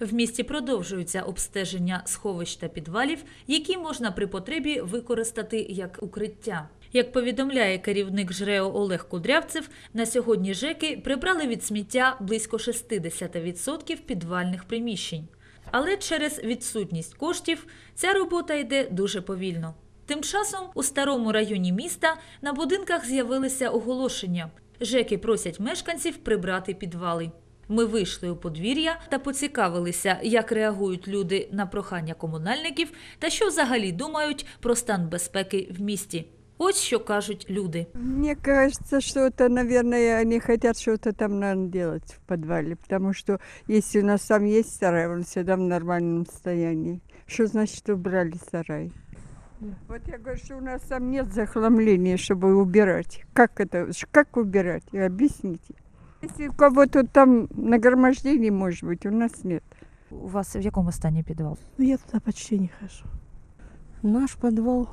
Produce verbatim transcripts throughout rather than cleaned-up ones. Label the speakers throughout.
Speaker 1: В місті продовжуються обстеження сховищ та підвалів, які можна при потребі використати як укриття. Як повідомляє керівник ЖРЕО Олег Кудрявцев, на сьогодні ЖЕКи прибрали від сміття близько шістдесят відсотків підвальних приміщень. Але через відсутність коштів ця робота йде дуже повільно. Тим часом у старому районі міста на будинках з'явилися оголошення. ЖЕКи просять мешканців прибрати підвали. Ми вийшли у подвір'я та поцікавилися, як реагують люди на прохання комунальників та що взагалі думають про стан безпеки в місті. Ось що кажуть люди.
Speaker 2: Мне кажется, что это, наверное, они хотят что-то там, наверное, делать в подвале, потому что если у нас там есть сарай, он всегда в нормальном состоянии. Что значит убрали сарай? Вот я говорю, что у нас там нет захламления, чтобы убирать. Как это, как убирать? Объясните. Если у кого-то там нагромождение, может быть, у нас нет.
Speaker 1: У вас в якому стані підвал?
Speaker 3: Ну, я туда почти не хожу.
Speaker 4: Наш подвал,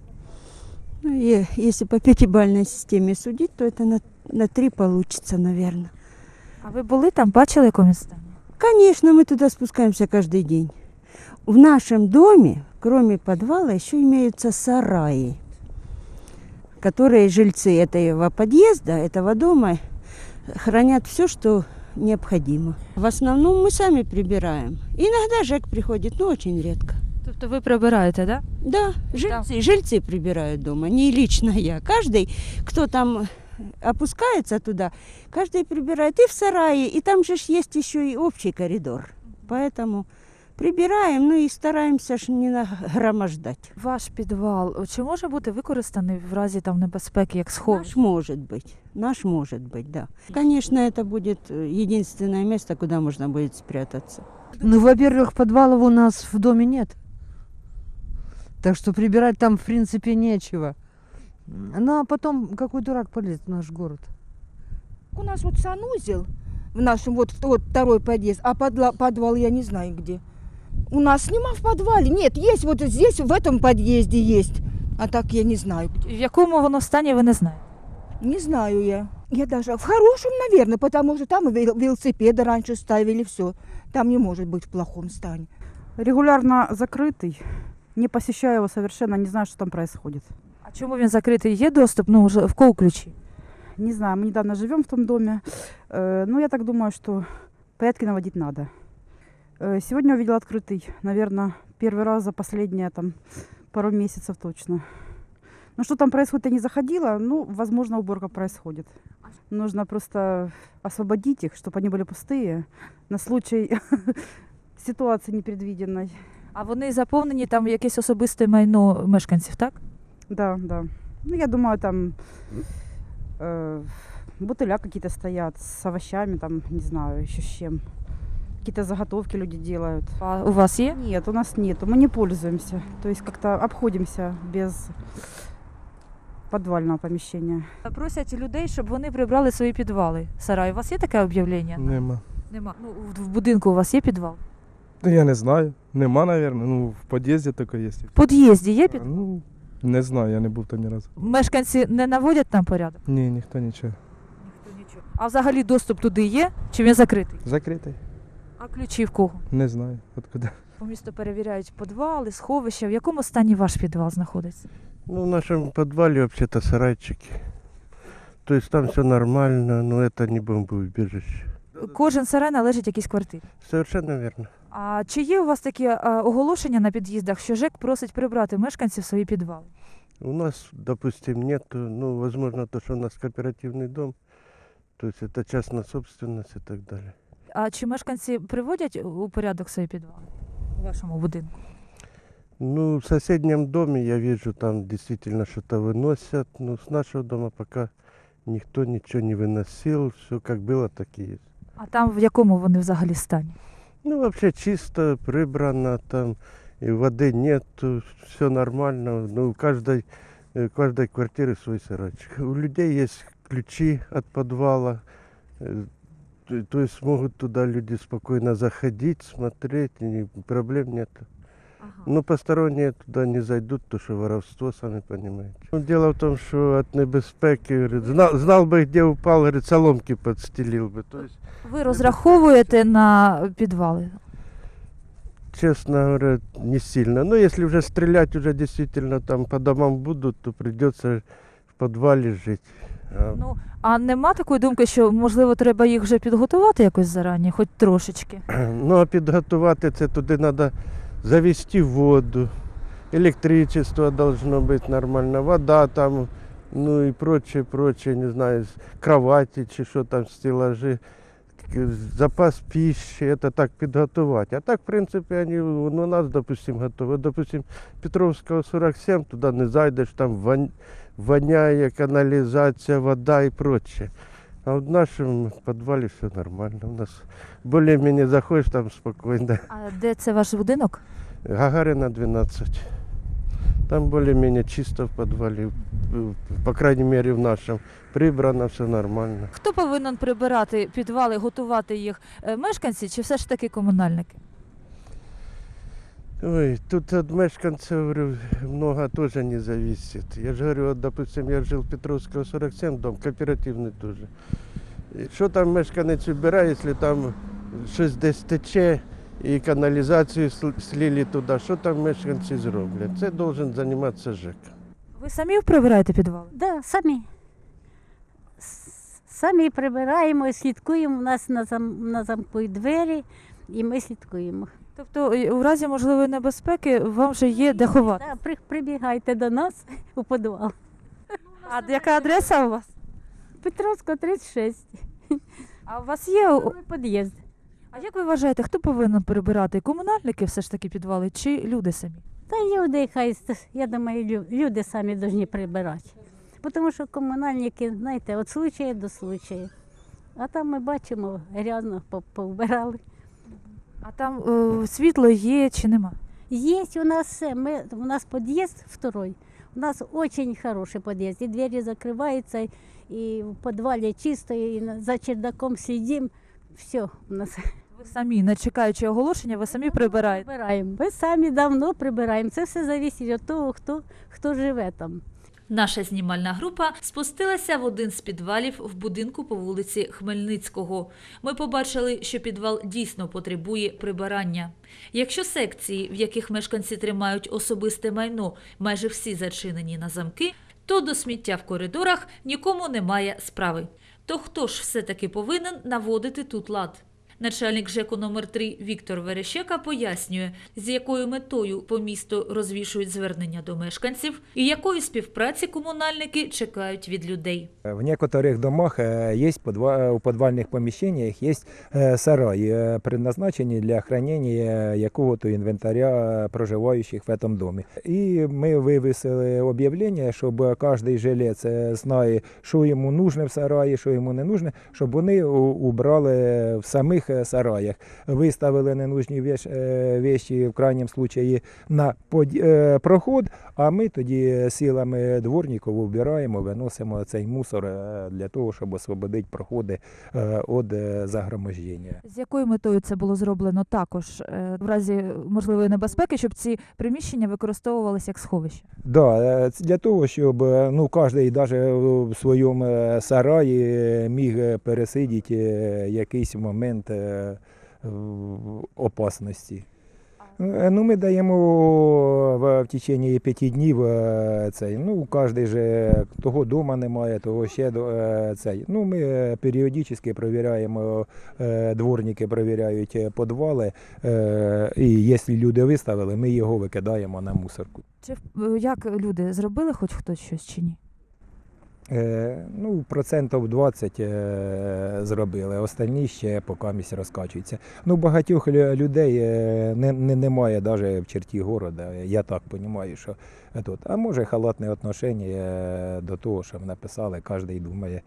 Speaker 4: ну, и если по пятибалльной системе судить, то это на, на три получится, наверное.
Speaker 1: А ви були там, бачили, в якому стані?
Speaker 4: Конечно, мы туда спускаемся каждый день. В нашем доме, кроме подвала, еще имеются сараи, которые жильцы этого подъезда, этого дома, хранят все, что необходимо. В основном мы сами прибираем. Иногда ЖЭК приходит, но очень редко.
Speaker 1: Тобто ви прибираєте, так?
Speaker 4: Да, жильцы, жильцы прибирают дома, не лично я. Каждый, кто там опускается туда, каждый прибирает и в сарае, и там же ж есть еще и общий коридор. Поэтому прибираем, ну и стараемся ж не нагромождать.
Speaker 1: Ваш підвал, чи може бути використаний в разі там небезпеки, як сховище?
Speaker 4: Наш может быть, наш может быть, да. Конечно, это будет единственное место, куда можно будет спрятаться.
Speaker 3: Ну, во-первых, подвалов у нас в доме нет. Так что прибирать там, в принципе, нечего. Ну, а потом какой дурак полез в наш город?
Speaker 5: У нас вот санузел в нашем, вот, вот второй подъезд, а подла, подвал я не знаю где. У нас нема в подвале. Нет, есть вот здесь, в этом подъезде есть. А так я не знаю.
Speaker 1: В якому воно стані, ви не знаєте?
Speaker 5: Не знаю я. Я даже в хорошем, наверное, потому что там вел- велосипеды раньше ставили, все. Там не может быть в плохом стане.
Speaker 6: Регулярно закрытый, не посещаю его совершенно, не знаю, что там происходит.
Speaker 1: А чому він закритий? Є доступ? Ну, вже в кого ключі?
Speaker 6: Не знаю, мы недавно живем в том доме, э, но я так думаю, что порядки наводить надо. Э, сегодня увидела открытый, наверное, первый раз за последние там, пару месяцев точно. Ну, что там происходит, я не заходила, ну, возможно, уборка происходит. Нужно просто освободить их, чтобы они были пустые, на случай ситуации непредвиденной.
Speaker 1: А вони заповнені там якесь особисте майно мешканців, так?
Speaker 6: Да, да. Ну, я думаю, там э, бутыля какие-то стоят с овощами, там, не знаю, еще с чем. Какие-то заготовки люди делают.
Speaker 1: А у вас є?
Speaker 6: Нет, у нас нету, мы не пользуемся. То есть как-то обходимся без подвального помещения.
Speaker 1: Просять людей, щоб вони прибрали свої підвали. Сарай, у вас є таке об'явлення?
Speaker 7: Нема.
Speaker 1: Нема. Ну, в- в будинку у вас є підвал?
Speaker 7: Ну, я не знаю. Нема, наверное. Ну, в під'їзді тільки є.
Speaker 1: В під'їзді є підвал?
Speaker 7: Ну, не знаю, я не був там ні разу.
Speaker 1: Мешканці не наводять там порядок?
Speaker 7: Ні, ніхто нічого.
Speaker 1: Ніхто нічого. А взагалі доступ туди є? Чи він закритий?
Speaker 7: Закритий?
Speaker 1: А ключі в кого?
Speaker 7: Не знаю. Откуда.
Speaker 1: По місту перевіряють підвали, сховища. В якому стані ваш підвал знаходиться?
Speaker 8: Ну, в нашем подвале вообще-то сарайчики. То есть там все нормально, но это не бомбоубежище.
Speaker 1: Кожен сарай належить якійсь квартирі.
Speaker 8: Совершенно верно.
Speaker 1: А чи є у вас такі а, оголошення на під'їздах, що ЖЕК просить прибрати мешканців свої підвали?
Speaker 8: У нас, допустим, нет, ну, возможно, то, что у нас кооперативный дом, то есть это частная собственность и так далее.
Speaker 1: А чи мешканці приводять у порядок свої підвали у вашому будинку?
Speaker 8: Ну, в соседнем доме я вижу, там действительно что-то выносят, но с нашего дома пока никто ничего не выносил, все как было, так и есть.
Speaker 1: А там в якому вони взагалі стані?
Speaker 8: Ну, вообще чисто, прибрано, там и воды нет, все нормально. Ну, у каждой, э, каждой квартиры свой сарайчик. У людей есть ключи от подвала, э, то- то есть могут туда люди спокойно заходить, смотреть, и проблем нет. Ну, посторонние туда не зайдут, потому что воровство, сами понимаете. Ну, дело в том, что от небезпеки, говорит, знал, знал бы, где упал, говорит, соломки подстелил бы. То есть
Speaker 1: Ви розраховуєте на підвали?
Speaker 8: честно говоря, не сильно. Но если уже стрелять уже действительно там по домам будут, то придется в подвале жить. А
Speaker 1: Ну, а нема такої думки, що, можливо, треба їх вже підготувати якось зарані, хоч трошечки?
Speaker 8: Ну, а підготувати це туди треба завести воду, електричество должно бути нормально, вода там, ну і прочее, прочее, не знаю, кровати чи що там, стелажі, запас пищи, це так підготувати. А так, в принципі, вони у нас, допустим, готові. Допустим, Петровського сорок сім, туди не зайдеш, там вон- воняє, каналізація, вода і прочее. А в нашем подвале все нормально. У нас более-менее заходишь там спокойно.
Speaker 1: А де це ваш будинок?
Speaker 8: Гагарина двенадцать. Там более-менее чисто в подвале. По крайней мере в нашем. Прибрано, все нормально.
Speaker 1: Хто повинен прибирати підвали, готувати їх? Е, Мешканці чи все ж таки комунальники?
Speaker 8: Ой, тут от мешканцев, говорю, много тоже не зависит. Я же говорю, вот, допустим, я жил Петровского сорок семь, дом кооперативный тоже. І що там мешканець вибирає, якщо там щось десь тече і каналізацію сл- слили туди, що там мешканці зроблять? Це должен займатися ЖЕК.
Speaker 1: Ви самі прибираєте підвали?
Speaker 9: Да, самі. С- Самі прибираємо, слідкуємо. У нас на, зам, на замку і двері, і ми слідкуємо.
Speaker 1: Тобто е, у разі можливої небезпеки вам вже є де ховати?
Speaker 9: Да, при, прибігайте до нас у підвал.
Speaker 1: А яка адреса у вас?
Speaker 9: Петровська, тридцять шість.
Speaker 1: А у вас є? о-
Speaker 9: Другий під'їзд.
Speaker 1: А як ви вважаєте, хто повинен прибирати? Комунальники все ж таки підвали чи люди самі?
Speaker 9: Та люди, хай, с- я думаю, лю- люди самі повинні прибирати. Тому що комунальники, знаєте, від случаю до случаю. А там ми бачимо, грязно по- повбирали.
Speaker 1: А там е, світло є чи нема?
Speaker 9: Есть у нас все. Мы, у нас подъезд второй. У нас очень хороший подъезд. И двери закрываются, и в подвале чисто, и на- за чердаком следим. Все у нас.
Speaker 1: Ви самі, не чекаючи оголошення, ви самі прибираєте.
Speaker 9: Прибираємо. Ми самі давно прибираємо. Це все залежить від того, хто, хто живе там.
Speaker 1: Наша знімальна група спустилася в один з підвалів в будинку по вулиці Хмельницького. Ми побачили, що підвал дійсно потребує прибирання. Якщо секції, в яких мешканці тримають особисте майно, майже всі зачинені на замки, то до сміття в коридорах нікому немає справи. То хто ж все-таки повинен наводити тут лад? Начальник ЖЕКу номер три Віктор Верещека пояснює, з якою метою по місту розвішують звернення до мешканців і якої співпраці комунальники чекають від людей.
Speaker 10: В некоторых домах э, есть подва- у подвальных помещениях есть э, сараи, э, предназначенные для хранения якого-то инвентаря проживающих в этом доме. И мы вывесили объявление, чтобы каждый жилец э, знає, що йому нужно в сараї, що йому не нужно, щоб вони у- убрали в самих е, сараях. Виставили ненужні вещ- е, вещи в крайньому случаї на под- е, проход, а ми тоді силами дворників вбираємо, виносимо цей мусор е, для того, щоб освободити проходи від загромождення.
Speaker 1: З якою метою це було зроблено також, е, в разі можливої небезпеки, щоб ці приміщення використовувалися як сховище?
Speaker 10: Да, е, це для того, щоб е, ну, кожен навіть в своєму е, сараї міг е, пересидіти е, якийсь момент е, в- опасності. Е, Ну, ми даємо в, в течение п'яти днів е, цей. Ну, кожен же того вдома немає, того ще до- е, цей. Ну, ми е, періодично перевіряємо, е, дворники перевіряють е, підвали, е, і якщо люди виставили, ми його викидаємо на мусорку.
Speaker 1: Чи е, як люди зробили хоч хтось щось чи ні?
Speaker 10: Е, ну, процентів двадцять е, зробили, остальні ще поки місць розкачуються. Ну, багатьох лю- людей е, не, не, немає навіть в черті города, я так розумію, що тут. А може халатне відношення е, до того, що написали, кожен думає,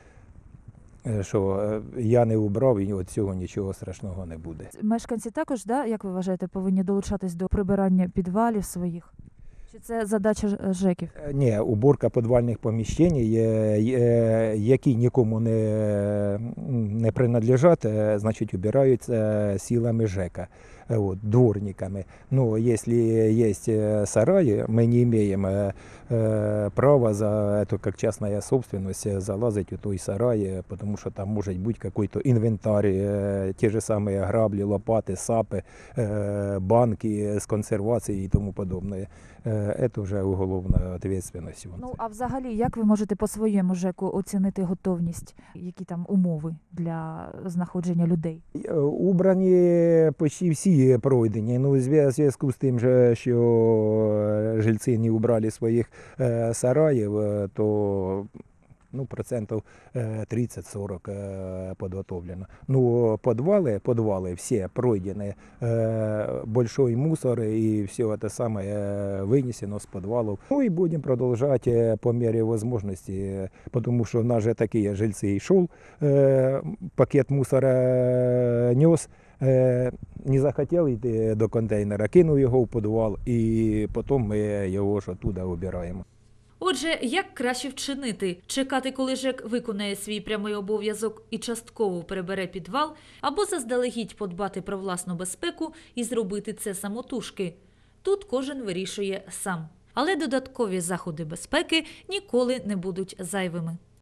Speaker 10: е, що е, я не убрав і від цього нічого страшного не буде.
Speaker 1: Мешканці також, да, як ви вважаєте, повинні долучатись до прибирання підвалів своїх? Чи це задача ж- ЖЕКів?
Speaker 10: Е, Ні, уборка підвальних поміщень, е, е, які нікому не, не принадлежать, е, значить, убираються силами ЖЕКа. э, вот, дворниками. Но если есть э, сараи, мы не имеем э, э, права за это как частная собственность э, залазить в той сарай, э, потому что там может быть какой-то инвентарь, э, те же самые грабли, лопаты, сапы, э, банки с консервацией и тому подобное. Э, это уже уголовная ответственность.
Speaker 11: Ну а взагалі, як ви можете по своєму ЖЕКу оцінити готовність, які там умови для знаходження людей?
Speaker 10: Е, Убрані почти всі пройдені. Ну, в зв'я- зв'язку з тим, же, що жильці не убрали своїх е, сараїв, е, то ну, процентов э, тридцать-сорок э, подготовлено. Ну, подвалы, подвалы все пройдены, э, большой мусор и все это самое э, вынесено с подвалов. Ну и будем продолжать э, по мере возможности, э, потому что у нас же такие жильцы и шел, э, пакет мусора э, нес, э, не захотел йти до контейнера, кинув його в підвал і потім ми його ж оттуда обираємо.
Speaker 1: Отже, як краще вчинити? Чекати, коли ЖЕК виконає свій прямий обов'язок і частково перебере підвал, або заздалегідь подбати про власну безпеку і зробити це самотужки? Тут кожен вирішує сам. Але додаткові заходи безпеки ніколи не будуть зайвими.